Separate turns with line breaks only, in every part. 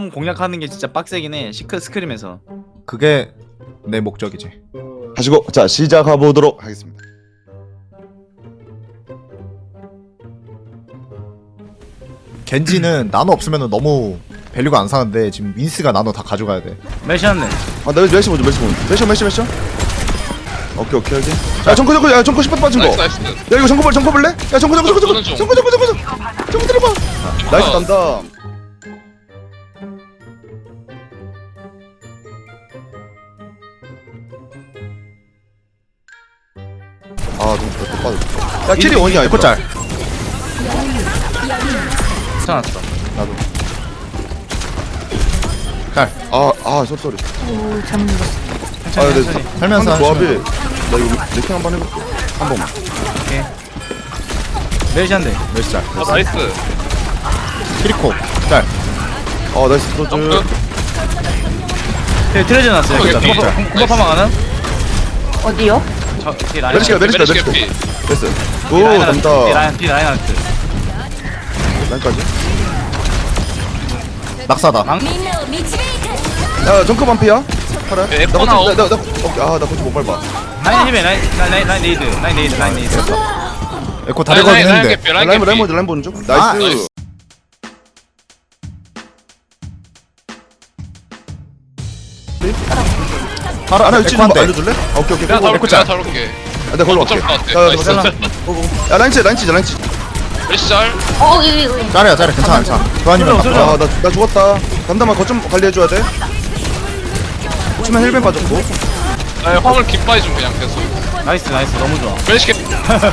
형 공략하는 게 진짜 빡세긴 해. 스크림에서.
그게 내 목적이지.
하시고 자 시작해 보도록 하겠습니다.
겐지는 나노 없으면 너무 밸류가 안 사는데 지금 윈스가 나노 다 가져가야 돼.
메시았네.
아, 나 메시 보자, 메시. 오케이. 야, 정코 10번 빠진 거.
나이스.
야, 이거 정코 볼래? 야, 정코
보는 중.
들어봐. 나이스 담당. 아, 너무 빠졌어. 야, 캐리 원이야, 이거.
에코짤.
괜찮았어.
나도.
짤.
쏘리.
천천히
근데
천천히.
살면서
조합이
하시면.
나 이거 레킹 한번 해볼게. 한 번만.
메시한데.
몇 짤.
나이스.
키리코. 짤.
나이스 소주.
점프.
트레저 났어요.
오케이, 오케이.
공법하면 가는?
어디요?
저 뒤에 라인.
메리시가.
메리시 개피.
됐어. 오,
뒤에
담당.
라인 아트.
라인까지.
낙사다.
망?
야, 정크 반피야? 팔아.
네,
나
에코나
거치, 나 거치 못 밟아.
라인 힘에 라인 네이드.
에코 다리 걸긴
라인
했는데.
개피. 라인 개피.
라인 보는 중.
아,
나이스. 하나 위치 좀
에코한테.
알려줄래? 오케이.
내가
고고.
잡을게. 내가 잡을게.
내가 걸로 갈게.
어쩔 것 같아.
야,
나이스.
야, 라인 치.
메리시 짤.
여기.
짤이야. 괜찮아. 교환이면
쏠려,
낙사.
쏠려.
나 죽었다. 담담아 거점 관리해줘야 돼. 치면 힐벤 빠졌고.
나 화물 깃바이 좀 그냥 계속.
나이스 너무 좋아.
메리시 개피.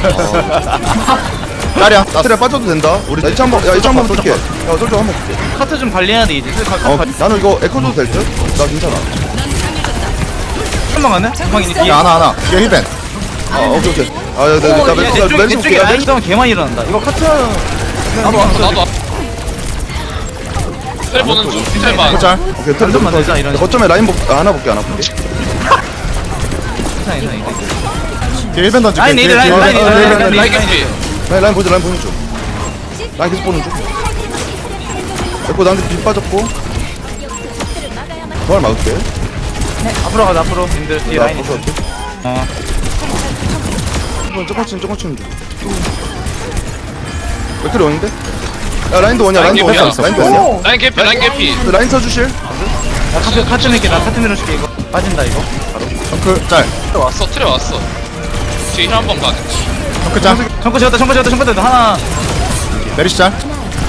짤이야.
스트레 빠져도 된다. 우리 나 2차 한번 볼게. 야, 솔저 한번 볼게.
카트 좀 관리해야 돼 이제.
나는 이거 에코 줘도 될 듯? 나 괜찮아.
한방 가네? 한방이니 뒤에.
야, 하나. 뒤에 힐벤.
오케이. 나
내
멜시
쪽에
볼게.
라인 싸움 개 많이 일어난다. 이거 카트.
나도 왔어. 트레 보는 중. 트레 반.
에코 짤.
오케이, 틀
좀만 내자, 이런
거점에 라인 하나 볼게.
괜찮아.
뒤에 힐벤 던질게.
라인 네이드 라인
라인 개피.
라인 보는 중. 라인 계속 보는 중. 에코 나한테 빗 빠졌고. 정말 막을게.
앞으로 가자 앞으로. 님들 뒤에 라인 있어.
조금 치는 중. 몇 킬로 오는데? 야, 라인도 원이야.
라인
라인도
개피야.
원이야.
라인 개피.
라인 써주실?
카트 낼게. 나 카트 밀어줄게 이거. 빠진다 이거.
정크 짤.
트레 왔어. 뒤에 힐한번 가.
정크 짤.
청구 지었다. 하나.
메리시 짤.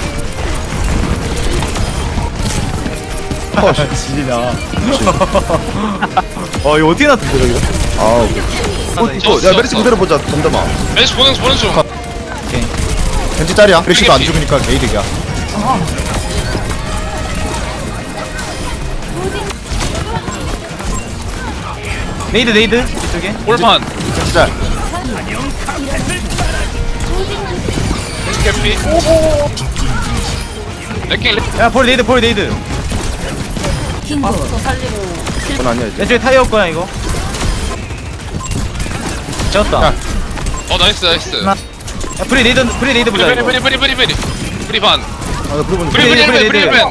지리냐. 이거 어떻게 났지 저기가?
야, 메리시 그대로 보자. 담담아.
메리시 보는 중.
겐지 짤이야. 메리시도 안 죽으니까 게이득이야.
네이드 이쪽에.
볼판.
겐지 짤.
메리시 개피. 레킹.
야 볼 네이드.
그건 아니야, 이제.
내 쪽에 타이어 거야 이거. 지었다.
야.
나이스.
야 프리 네이드 보자 이거.
프리 반.
나 불러보는 중.
프리 반.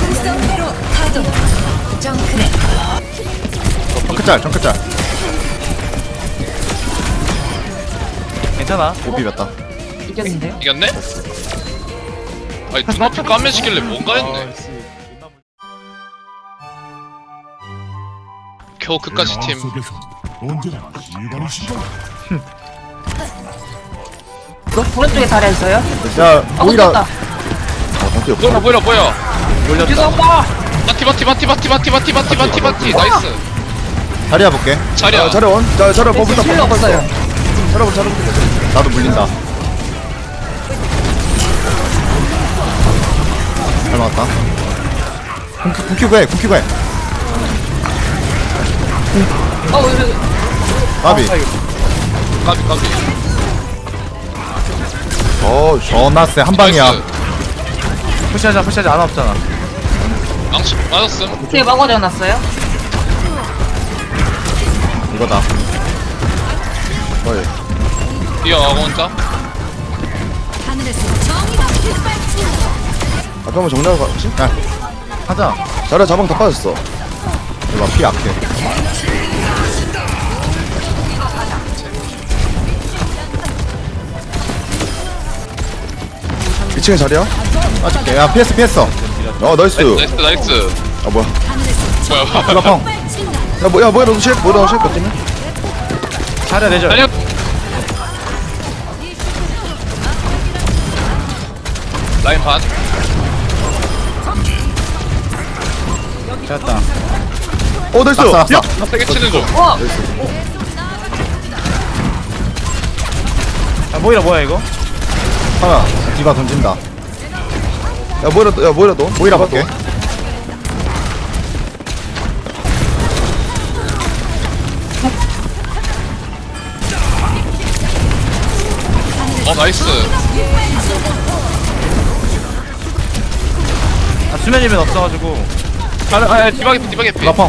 정크 짤.
괜찮아.
못 비볐다.
이겼는데요?
이겼네? 아니 눈앞에 까매지길래 뭔가 했네. 겨우 그까지 팀.
오른쪽에 자리에 있어요?
야, 오히려
다
밖에 없어.
보여.
몰렸다.
바티. 나이스.
다리야 볼게.
자리야.
자려원. 자려 버블다.
필요 없어요.
자려원.
나도 물린다. 잘 맞았다. 궁키고 해. 바비.
까비.
나스 한 방이야.
푸시하자 안 없잖아.
망치 맞았음.
뒤에 막아져 놨어요?
이거다.
뛰어가고 혼자.
아까 뭐 정리하고 갔지?
야,
가자.
자리야 자방 다 빠졌어.
이거 피 약해.
2층에 자리야?
빠질게. 야 피했어 피했어.
나이스.
나이스.
아 뭐야?
뭐야?
블라펑.
야 뭐야 너도 실? 뭐야 너도 실? 어쩌면?
자리야 내줘.
달려. 라인 반.
됐다.
나이스.
낙사 낙사.
나 세게 치는 중.
와!
야 모이라 이거?
하나. 디바 던진다.
야 뭐야 너?
모이라 볼게.
나이스.
아 수면 일면 없어가지고.
디바게 피.
블라펑.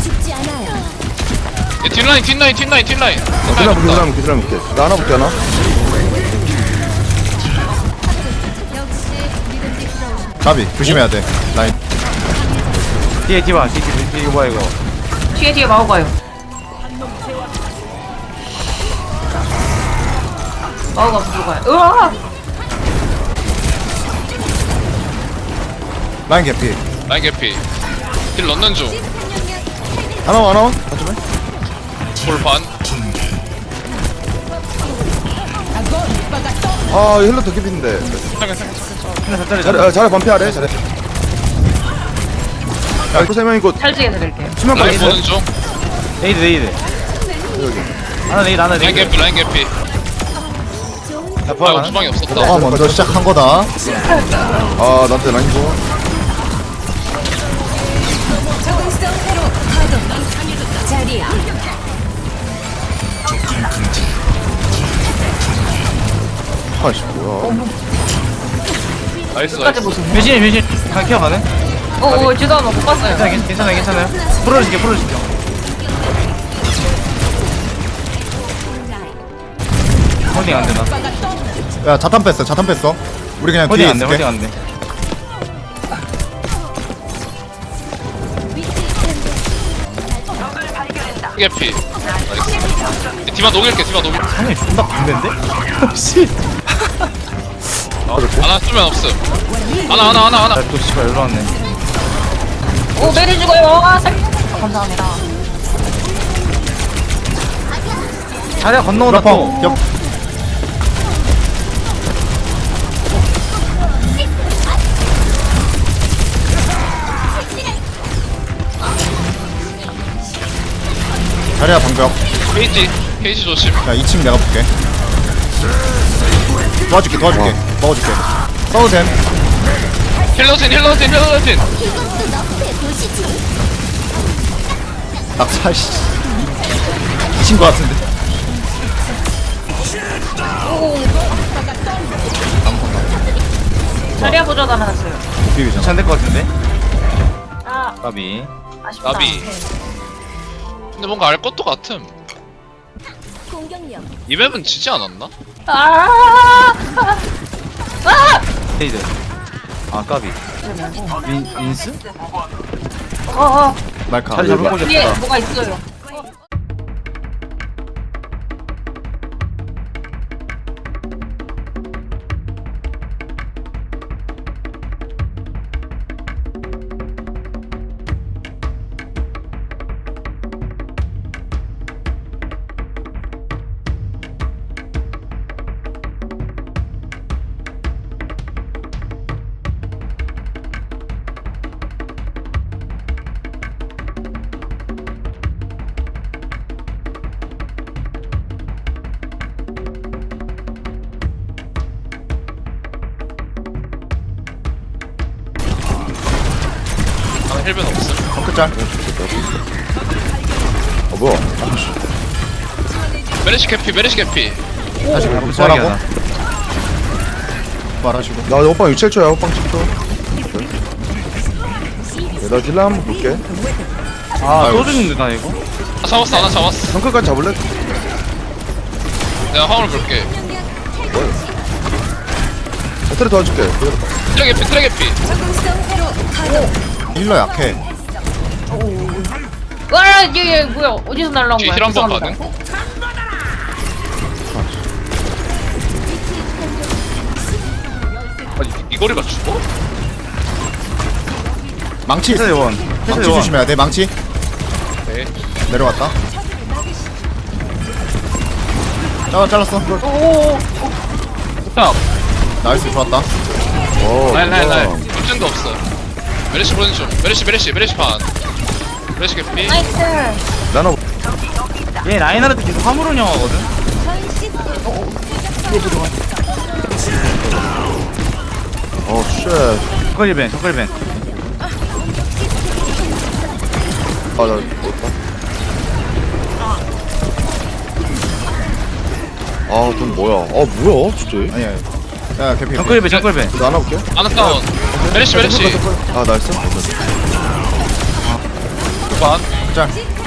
뒷라인.
기다려 볼게. 나 하나 볼게 하나.
가비 조심해야 돼. 라인.
뒤에 뒤에 이거 뭐야 이거?
뒤에 마오가요. 마오가 부족해요. 으아!
라인 개피.
라인 개피. 딜 넣는 중.
하나만. 어쩌면?
볼 반.
아 힐러 더 깊인데. 자리 반피하래. 잘해. 야 이거 3명 있고
찰지게 드릴게요.
수면까지
라인
있어.
보는 중.
네이드.
여기.
하나
라인
네이드.
개피. 라인 개피.
나 부활
아
가능?
주방이 없었다.
너가 먼저 시작한 거다.
아 나한테 라인 줘. 아이씨 뭐야.
나이스.
끝까지 보시네.
변신. 케어 가능?
죄송합니다. 못 봤어요.
괜찮아요. 풀어줄게. 홀딩 안 되나?
야 자탄 뺐어. 우리 그냥 뒤에
홀딩
있을게.
안 돼.
개피. 나이스. 디바 녹일게.
아니 존나 군대인데? 씨.
하나 쓰면 없음. 하나.
나또 씨발 일로 왔네.
메리 죽어요. 감사합니다.
자리야 건너온다 또.
블라펑. 옆. 자리야 방벽.
케이지 조심.
야 2층 내가 볼게. 도와줄게. 먹어줄게. 써도 됨.
힐러진.
낙사 씨. 미친 거 같은데.
자리야 보조 달아놨어요.
비비잖아.
괜찮을 것 같은데?
아,
까비.
아쉽다.
나비. 근데 뭔가 알 것도 같음. 이 맵은 지지 않았나?
네이드. 아 까비. 민스?
날카.
자리 잡을 거
뒤에
졌다.
뭐가 있어요.
나는 힐벤 없음.
덩크짤.
뭐야.
메르시 개피.
다시
부활하고.
부활하고. 부활하시고.
나 오빠 6,7초야. 오빠 10초. 나 딜라 한번 볼게.
아또 죽는데 나 이거?
하나 잡았어.
덩크까지 잡을래?
내가 화물 볼게.
트레 도와줄게.
트랙 개피.
힐러 약해.
와, 얘 뭐야? 어디서 날라온
뒤에
거야?
힐 한번
죄송합니다.
가능? 아니 이 거리가 죽어?
망치.
해설 요원.
망치
해설 요원.
조심해야 돼. 망치.
네.
내려왔다. 잘랐어.
형.
나이스 좋았다.
라인 물증도 없어. 메르시 보는 중. 메르시 반. 메르시 개피.
나이스.
나눠.
얘 라인하르트 계속 화물 운영하거든.
쉣.
저컬벤.
아, 나 죽었다. 아, 돈 뭐야? 아, 뭐야, 진짜.
아니야. 야 개피.
저컬벤.
나 하나 볼게.
아나 다운. 메르시.
아, 나이스.
반.
짤.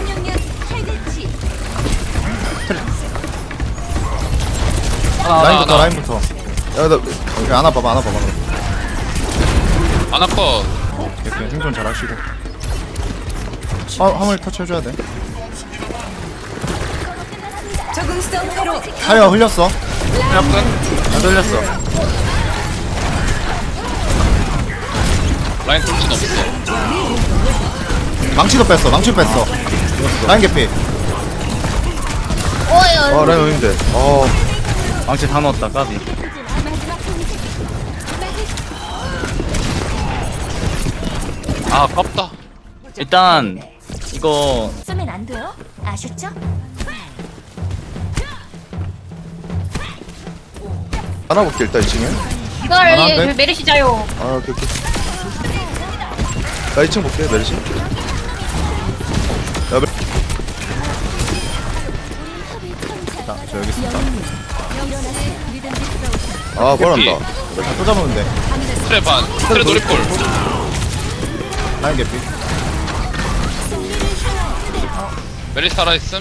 라인부터
아나.
라인부터.
야, 나,
오케이 안아 봐봐.
아나 컷.
이렇게 생존 잘 하시고. 화물 터치해줘야 돼. 타이어 흘렸어.
안 돌렸어.
라인 돌진 없어.
망치도 뺐어. 라인 개피.
아, 라인 어딘데?
망치 다 넣었다. 까비.
아 아깝다.
일단 이거
쓰면 안 돼요? 아셨죠?
하나 볼게, 일단 2층에.
이걸
안
얘
돼?
메르시 자요.
아, 오케이. 나 2층 볼게, 메르시. 야,
저 여기 있습니다.
아, 뻔한다.
또 잡으면 돼.
트레 반. 트레 노리콜.
라인 개피.
메르시 살아있음.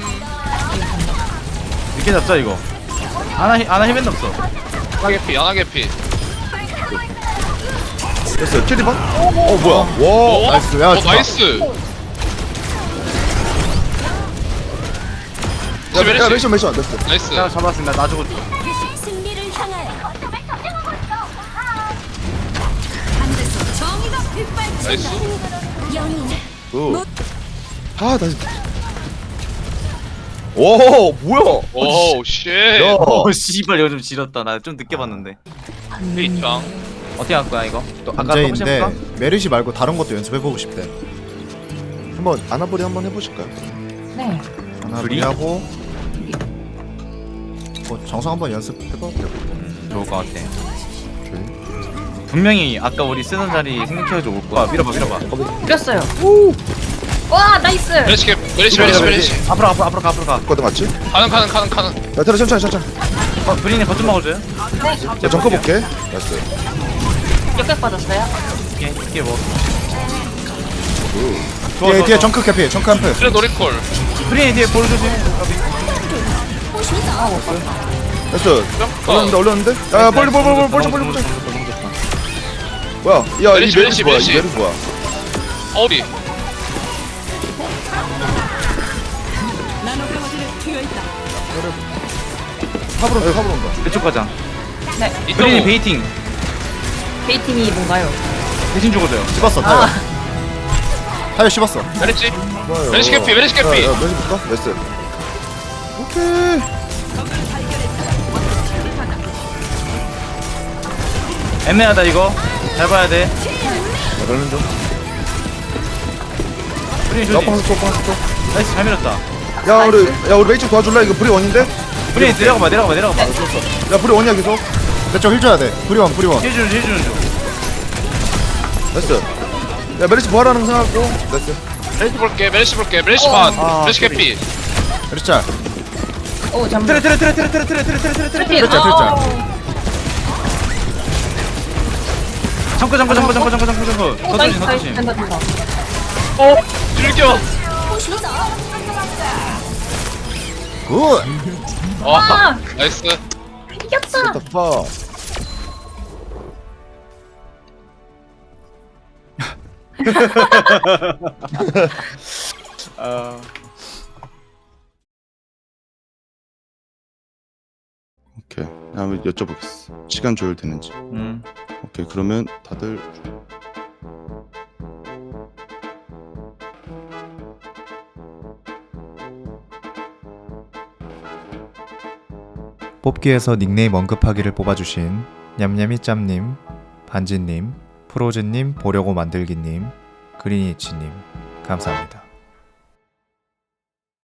이렇게 잡자 이거. 아나 힐밴드 없어.
아나 개피.
됐어요. 캐리반? 뭐야. 와.
어?
나이스. 야, 좋다.
나이스.
야,
메르시.
메르시 안 됐어.
나이스.
자 잡았습니다. 나 죽었어.
승리를 향하여
나이스.
영웅
굿. 아, 나 진짜. 오, 뭐야?
오우 쉣.
야.
오 씨발 이거 좀 지렸다. 나 좀 늦게 봤는데.
페이짱.
어떻게 할 거야 이거? 또 아까
문제인데
해볼까?
메르시 말고 다른 것도 연습해보고 싶대.
한번 아나보리 한번 해보실까요?
네.
하나 하고 뭐 정성 한번 연습해봐도 되고.
좋을 것 같아. 분명히 아까 우리 쓰던 자리 생각해가지고 올 거야. 밀어봐.
이겼어요. 와, 나이스.
메르시.
앞으로 가.
거든 맞지?
가능.
야, 테라 천천히.
브린이 거좀 먹어줘요.
야, 정커 볼게. 나이스.
역격 받았어요.
이게 뭐?
뒤에 정크 개피. 정크 한 표.
트레 노리콜.
브린이 뒤에 볼 조심.
됐어. 올렸는데? 야, 빨리. 뭐야? 야, 이
메르시,
메르시 뭐야?
메르시.
이 메르시 뭐야?
어디?
탑으로 온다.
이쪽 가자.
네.
브린이
이쪽으로.
베이팅.
베이팅이 뭔가요?
대신 죽어줘요.
씹었어. 타이어. 타이어 씹었어.
메르시.
좋아요.
메르시 개피.
야, 메르시 볼까? 나이스. 오케이.
애매하다 이거. 잘 봐야 돼.
나는 좀.
브린이
야,
조심.
또.
나이스 잘 밀었다.
야, 우리 메이츠 도와줄래? 이거 불이 원인데?
브린이 내려가봐.
야, 불이 원이야 계속.
내쪽 힐 줘야 돼. 브리원.
해주는 중.
나이스. 야, 메르시 부활하는 거 생각하고. 나이스.
메르시 볼게. 메르시 반.
아,
메르시 개피.
메르시 짤.
오, 잠.
트레.
트래피.
트래짤.
잠깐. 더 조심.
된다.
즐겨.
굿.
와. 나이스.
이겼다.
파. 아. 오케이. 한번 여쭤보겠어. 시간 조율되는지. 오케이. 그러면 다들
뽑기에서 닉네임 언급하기를 뽑아주신 냠냠이짬님, 반지님, 프로즈님, 보려고 만들기님, 그린이치님 감사합니다.